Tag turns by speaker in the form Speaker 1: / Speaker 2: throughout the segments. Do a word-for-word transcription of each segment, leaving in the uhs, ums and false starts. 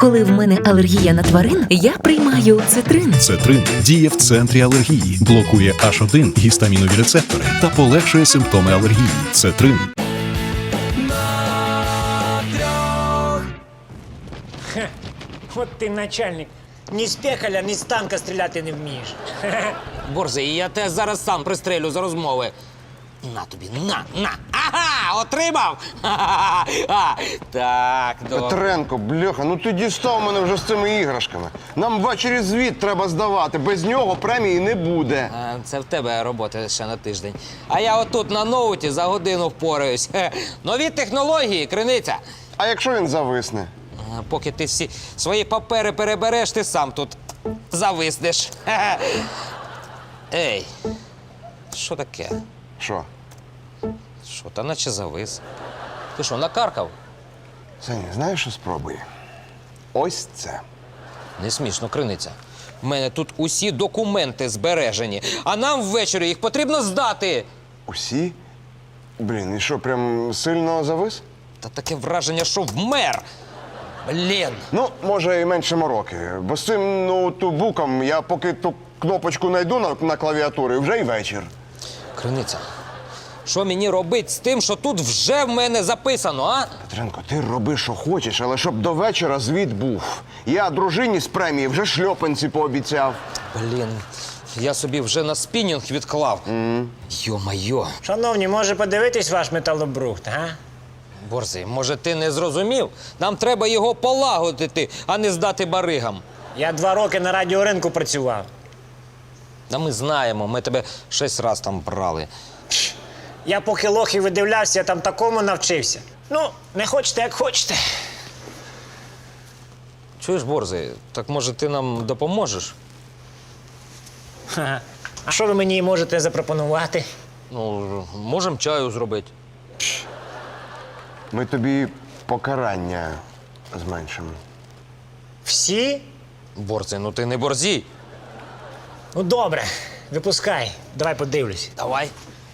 Speaker 1: Коли в мене алергія на тварин, я приймаю цитрин.
Speaker 2: Цетрин діє в центрі алергії, блокує аш один гістамінові рецептори та полегшує симптоми алергії. Цетрин.
Speaker 3: Хе, от ти начальник. Ні з пекаля, ні з танка стріляти не вмієш.
Speaker 4: Борзий, я тебе зараз сам пристрелю за розмови. На тобі, на, на. Ага, отримав! Ха-ха-ха. Так, добре.
Speaker 5: Петренко, бляха, ну ти дістав мене вже з цими іграшками. Нам ввечері звіт треба здавати, без нього премії не буде.
Speaker 4: А, Це в тебе робота ще на тиждень. А я отут на ноуті за годину впораюсь. Хе. Нові технології, криниця.
Speaker 5: А якщо він зависне?
Speaker 4: А, Поки ти всі свої папери перебереш, ти сам тут зависнеш. Хе-хе. Ей, що таке?
Speaker 5: Що?
Speaker 4: Що, та наче завис. Ти що, накаркав?
Speaker 5: Саня, знаєш, що спробуй? Ось це.
Speaker 4: Не смішно, криниця. В мене тут усі документи збережені, а нам ввечері їх потрібно здати.
Speaker 5: Усі? Блін, і що, прям сильно завис?
Speaker 4: Та таке враження, що вмер. Блін.
Speaker 5: Ну, може, і менше мороки. Бо з цим ноутбуком я поки ту кнопочку знайду на, на клавіатурі, вже й вечір.
Speaker 4: Криниця, що мені робити з тим, що тут вже в мене записано, а?
Speaker 5: Петренко, ти роби, що хочеш, але щоб до вечора звіт був. Я дружині з премії вже шльопанці пообіцяв.
Speaker 4: Блін, я собі вже на спінінг відклав. Mm. Йо-майо.
Speaker 3: Шановні, може подивитись ваш металобрухт, а?
Speaker 4: Борзий, може ти не зрозумів? Нам треба його полагодити, а не здати баригам.
Speaker 3: Я два роки на радіоринку працював.
Speaker 4: Та ми знаємо, ми тебе шість раз там брали.
Speaker 3: Я поки лохи видивлявся, я там такому навчився. Ну, не хочете, як хочете.
Speaker 4: Чуєш, Борзий, так може ти нам допоможеш?
Speaker 3: Ха-ха. А що ви мені можете запропонувати?
Speaker 4: Ну, можемо чаю зробити.
Speaker 5: Ми тобі покарання зменшимо.
Speaker 3: Всі?
Speaker 4: Борзий, ну ти не борзій.
Speaker 3: Ну, добре, випускай. Давай подивлюсь.
Speaker 4: Давай.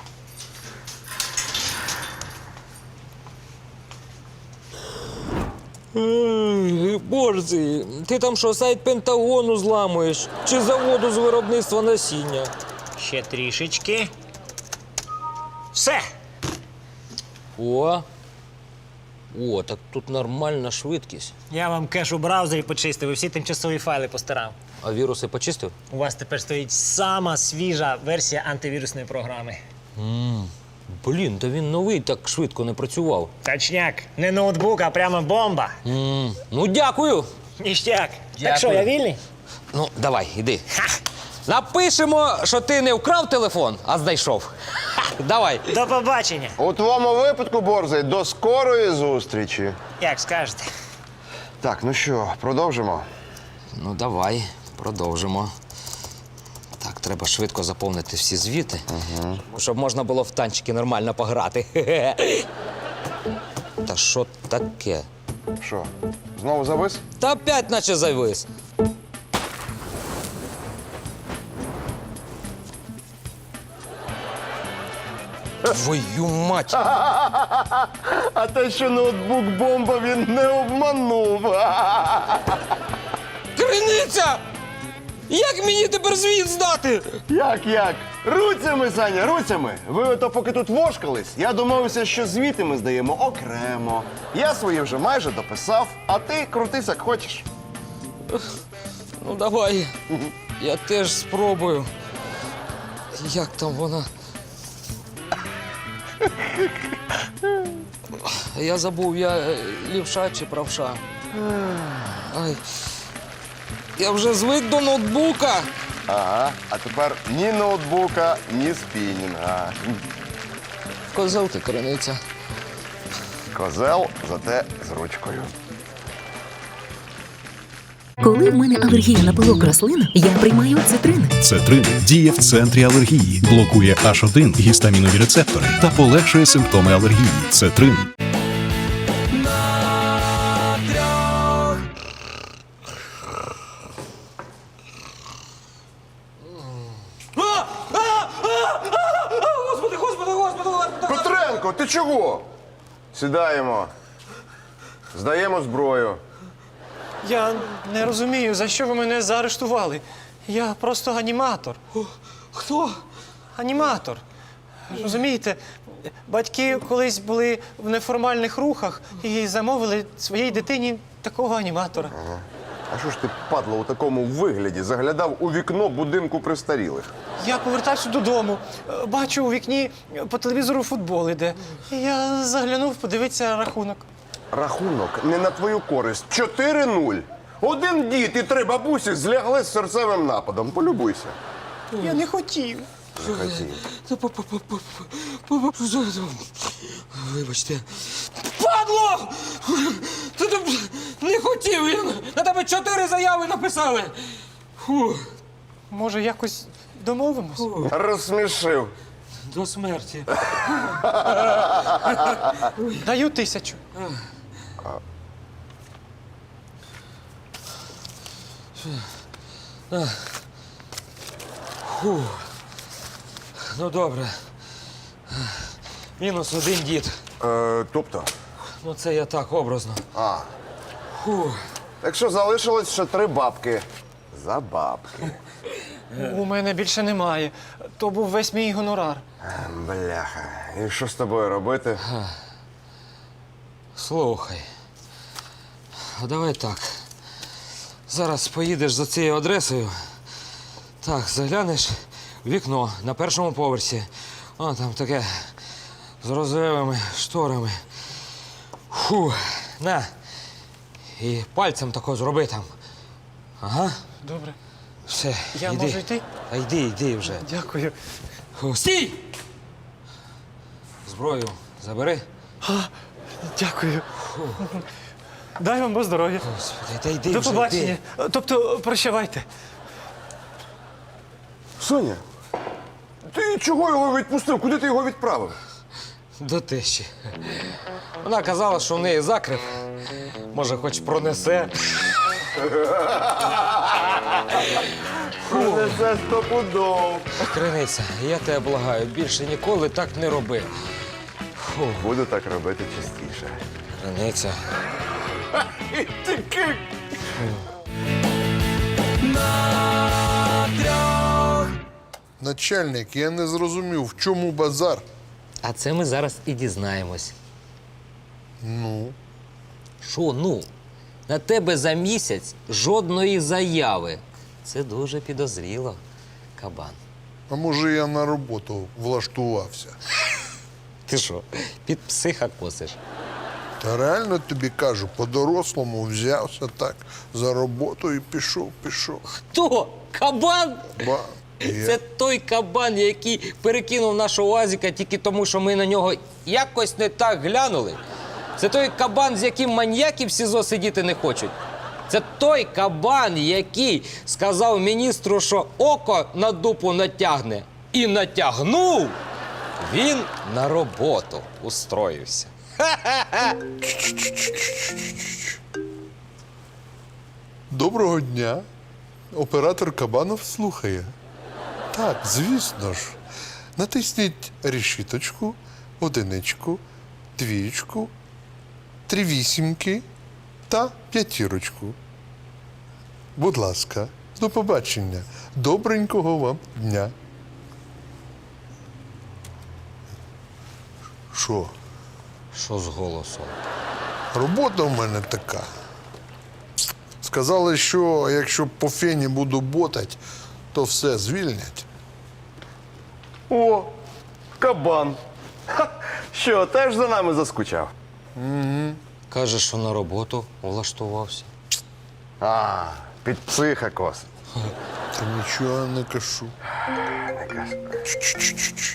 Speaker 4: Борзий, ти там що, сайт Пентагону зламуєш? Чи заводу з виробництва насіння?
Speaker 3: Ще трішечки. Все.
Speaker 4: О, о, так тут нормальна швидкість.
Speaker 3: Я вам кеш у браузері почистив і всі тимчасові файли постарав.
Speaker 4: А віруси почистив?
Speaker 3: У вас тепер стоїть сама свіжа версія антивірусної програми.
Speaker 4: Блін, та він новий, так швидко не працював.
Speaker 3: Точняк. Не ноутбук, а прямо бомба.
Speaker 4: М, Ну, дякую.
Speaker 3: Ніштяк.
Speaker 4: Дякую.
Speaker 3: Так що, я вільний?
Speaker 4: Ну, давай, іди. Напишемо, що ти не вкрав телефон, а знайшов. Ха, давай.
Speaker 3: До побачення.
Speaker 5: У твоєму випадку, Борзий, до скорої зустрічі.
Speaker 3: Як скажете.
Speaker 5: Так, ну що, продовжимо?
Speaker 4: Ну, давай, продовжимо. Так, треба швидко заповнити всі звіти, угу. щоб можна було в танчики нормально пограти. Та що таке?
Speaker 5: Що, знову завис?
Speaker 4: Та опять наче завис. Твою мать!
Speaker 5: А те, що ноутбук бомба, він не обманув.
Speaker 4: Криниця! Як мені тепер звіт здати?
Speaker 5: Як, як? Руцями, Саня, руцями. Ви ото поки тут вошкались, я домовився, що звіти ми здаємо окремо. Я свої вже майже дописав, а ти крутись, як хочеш.
Speaker 4: Ну, давай. Я теж спробую. Як там вона? Я забув, я е, лівша чи правша. Ай. Я вже звик до ноутбука.
Speaker 5: Ага, а тепер ні ноутбука, ні спінінга.
Speaker 4: Козел ти, криниця.
Speaker 5: Козел, зате з ручкою.
Speaker 1: Коли в мене алергія на пилок рослин, я приймаю цитрин.
Speaker 2: Цетрин діє в центрі алергії, блокує аш один гістамінові рецептори та полегшує симптоми алергії. Цетрин.
Speaker 4: Господи, господи, господи, господи!
Speaker 5: Петренко, ти чого? Сідаємо. Здаємо зброю.
Speaker 3: Я не розумію, за що ви мене заарештували. Я просто аніматор.
Speaker 4: Хто?
Speaker 3: Аніматор. Розумієте, батьки колись були в неформальних рухах і замовили своїй дитині такого аніматора.
Speaker 5: А що ж ти, падло, у такому вигляді заглядав у вікно будинку престарілих?
Speaker 3: Я повертався додому, бачу у вікні по телевізору футбол іде. І я заглянув подивитися рахунок.
Speaker 5: Рахунок не на твою користь. чотири нуль. Один дід і три бабусі злягли з серцевим нападом. Полюбуйся.
Speaker 3: Я не хотів.
Speaker 5: Не хотів.
Speaker 4: Вибачте. Падло! Ти там не хотів! Я на тебе чотири заяви написали! Фу.
Speaker 3: Може, якось домовимось?
Speaker 5: Розсмішив.
Speaker 4: До смерті.
Speaker 3: Даю тисячу.
Speaker 4: Фу. Ну добре. Мінус один дід.
Speaker 5: Е, тобто?
Speaker 4: Ну це я так образно.
Speaker 5: А.
Speaker 4: Фу.
Speaker 5: Так що залишилось ще три бабки. За бабки.
Speaker 3: У мене більше немає. То був весь мій гонорар.
Speaker 5: Бляха. І що з тобою робити?
Speaker 4: Слухай. А давай так. Зараз поїдеш за цією адресою. Так, заглянеш в вікно на першому поверсі. О, там таке з розовими шторами. Фу, на. І пальцем тако зроби там. Ага,
Speaker 3: Добре.
Speaker 4: все,
Speaker 3: Я
Speaker 4: йди.
Speaker 3: можу йти?
Speaker 4: А йди, йди вже.
Speaker 3: Дякую.
Speaker 4: Фу, стій! Зброю забери.
Speaker 3: Дякую. Дай вам Бог здоров'я.
Speaker 4: Господи, та йди
Speaker 3: До
Speaker 4: вже,
Speaker 3: побачення.
Speaker 4: йди.
Speaker 3: Тобто, прощавайте.
Speaker 5: Соня, ти чого його відпустив? Куди ти його відправив?
Speaker 4: До тещі. Вона казала, що в неї закрив. Може, хоч пронесе.
Speaker 5: Це стопудов.
Speaker 4: Криниця, я тебе благаю, більше ніколи так не роби. Фу,
Speaker 5: Буду так робити частіше.
Speaker 4: криниця.
Speaker 5: Тільки.
Speaker 6: Начальник, я не зрозумів, в чому базар?
Speaker 4: А це ми зараз і дізнаємось.
Speaker 6: Ну,
Speaker 4: Що, ну? На тебе за місяць жодної заяви. Це дуже підозріло, кабан.
Speaker 6: а може я на роботу влаштувався?
Speaker 4: Ти що, під психа косиш?
Speaker 6: Та реально тобі кажу, по-дорослому взявся так за роботу і пішов, пішов.
Speaker 4: Хто? Кабан?
Speaker 6: Ба, я.
Speaker 4: Це той кабан, який перекинув нашого Азіка тільки тому, що ми на нього якось не так глянули. Це той кабан, з яким маньяки в СІЗО сидіти не хочуть. Це той кабан, який сказав міністру, що око на дупу натягне. І натягнув. Він на роботу устроївся.
Speaker 6: Доброго дня. Оператор Кабанов слухає. Так, звісно ж. Натисніть решіточку, одиничку, двічку, три вісімки та п'ятірочку. Будь ласка, до побачення. Добренького вам дня. Що?
Speaker 4: Що з голосом?
Speaker 6: Робота в мене така. Сказали, що якщо по фені буду ботать, то все звільнять.
Speaker 5: О, кабан. Ха, що, теж за нами заскучав?
Speaker 4: Каже, що на роботу влаштувався.
Speaker 5: А, під психа косить.
Speaker 6: Та нічого не кажу.
Speaker 5: Не кажу.
Speaker 6: Ч-ч-ч-ч.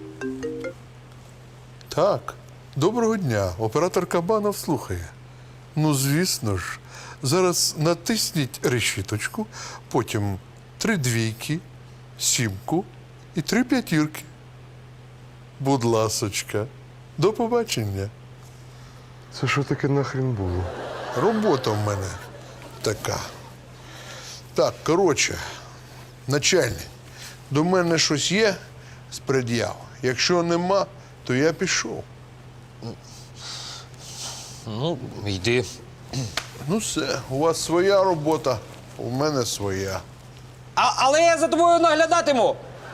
Speaker 6: Так, доброго дня. Оператор Кабанов слухає. Ну, звісно ж. Зараз натисніть решіточку, потім три двійки, сімку і три п'ятірки. Будь ласочка, до побачення.
Speaker 5: Це що таке нахрін було?
Speaker 6: Робота в мене така. Так, коротше, начальник, до мене щось є з пред'яв? Якщо нема, то я пішов.
Speaker 4: Ну, йди.
Speaker 6: Ну все, у вас своя робота, у мене своя.
Speaker 4: А, але я за тобою наглядатиму.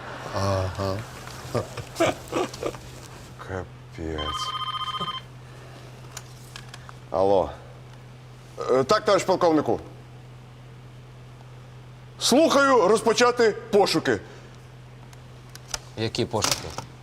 Speaker 5: Капець. Алло. Е, Так, товариш полковнику. Слухаю розпочати пошуки.
Speaker 4: Які пошуки?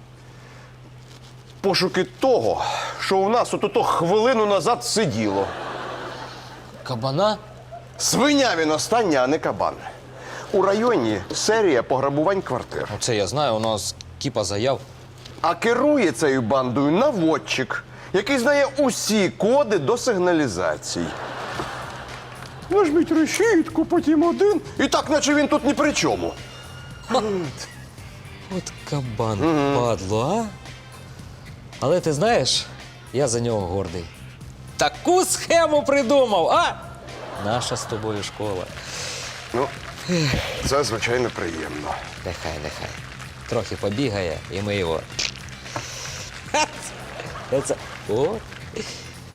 Speaker 5: Пошуки того, що у нас от-ото хвилину назад сиділо.
Speaker 4: Кабана?
Speaker 5: Свиня він остання, а не кабан. У районі серія пограбувань квартир.
Speaker 4: Оце я знаю, у нас кіпа заяв.
Speaker 5: А керує цією бандою наводчик, який знає усі коди до сигналізацій. Нажміть решітку, потім один. І так, наче він тут ні при чому.
Speaker 4: От кабан, падло, а? Але ти знаєш, я за нього гордий. Таку схему придумав, а? Наша з тобою школа.
Speaker 5: Ну, це, звичайно, приємно.
Speaker 4: Нехай, нехай. Трохи побігає, і ми його. Ха! Це... О,